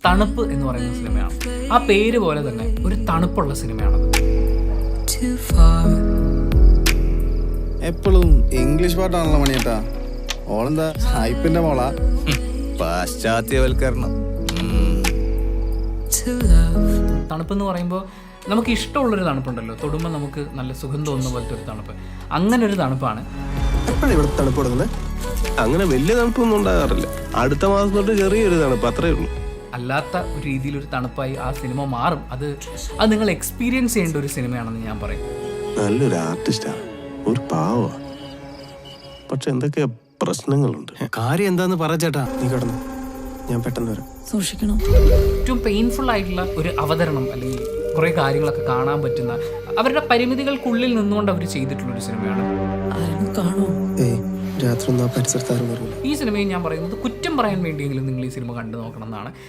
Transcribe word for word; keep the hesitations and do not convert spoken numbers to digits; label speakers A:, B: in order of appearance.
A: തണുപ്പ് എന്ന് പറയുന്ന സിനിമയാണ്. ആ പേര് പോലെ തന്നെ ഒരു തണുപ്പുള്ള സിനിമയാണത്.
B: എപ്പോഴും ഇംഗ്ലീഷ് പാട്ടാണല്ലോ മണിയേട്ടാ. ഓളെന്താ ഹൈപ്പിന്റെ മോളാ?
C: പാശ്ചാത്യവൽക്കരണം.
A: തണുപ്പ് എന്ന് പറയുമ്പോൾ നമുക്ക് ഇഷ്ടമുള്ളൊരു തണുപ്പുണ്ടല്ലോ, തൊടുമ്പോൾ നമുക്ക് നല്ല സുഖം തോന്നുന്ന പോലത്തെ ഒരു തണുപ്പ്. അങ്ങനെ ഒരു തണുപ്പാണ്.
D: എപ്പോഴാണ് ഇവിടെ തണുപ്പ് തുടങ്ങുന്നത്?
E: അങ്ങനെ വലിയ തണുപ്പൊന്നും ഉണ്ടാകാറില്ല. അടുത്ത മാസം തൊട്ട് ചെറിയൊരു തണുപ്പ്, അത്രേ ഉള്ളൂ.
A: അല്ലാത്ത ഒരു രീതിയിലൊരു തണുപ്പായി ആ സിനിമ മാറും. അത് അത് നിങ്ങൾ എക്സ്പീരിയൻസ് ചെയ്യേണ്ട ഒരു സിനിമയാണെന്ന് ഞാൻ പറയും.
E: നല്ലൊരു ആർട്ടിസ്റ്റാണ്, ഒരു പാവ. പക്ഷെ എന്തൊക്കെ പ്രശ്നങ്ങളുണ്ട്.
D: കാര്യം എന്താന്ന് പറ ചേട്ടാ. നീ കിടന്നു, ഞാൻ പെട്ടെന്ന് വരാം.
F: സൂക്ഷിക്കണം.
A: ഏറ്റവും പെയിൻഫുൾ ആയിട്ടുള്ള ഒരു അവതരണം അല്ലെങ്കിൽ കുറേ കാര്യങ്ങളൊക്കെ കാണാൻ പറ്റുന്ന, അവരുടെ പരിമിതികൾക്കുള്ളിൽ നിന്നുകൊണ്ട് അവർ ചെയ്തിട്ടുള്ളൊരു സിനിമയാണ്.
F: ആരും കാണോ?
D: ഏയ് രാത്രി ഒന്നും ആ പരിസരത്ത് ആരും വരില്ല.
A: ഈ സിനിമയിൽ ഞാൻ പറയുന്നത് കുറ്റം പറയാൻ വേണ്ടിയെങ്കിലും നിങ്ങൾ ഈ സിനിമ കണ്ടു നോക്കണം എന്നാണ്.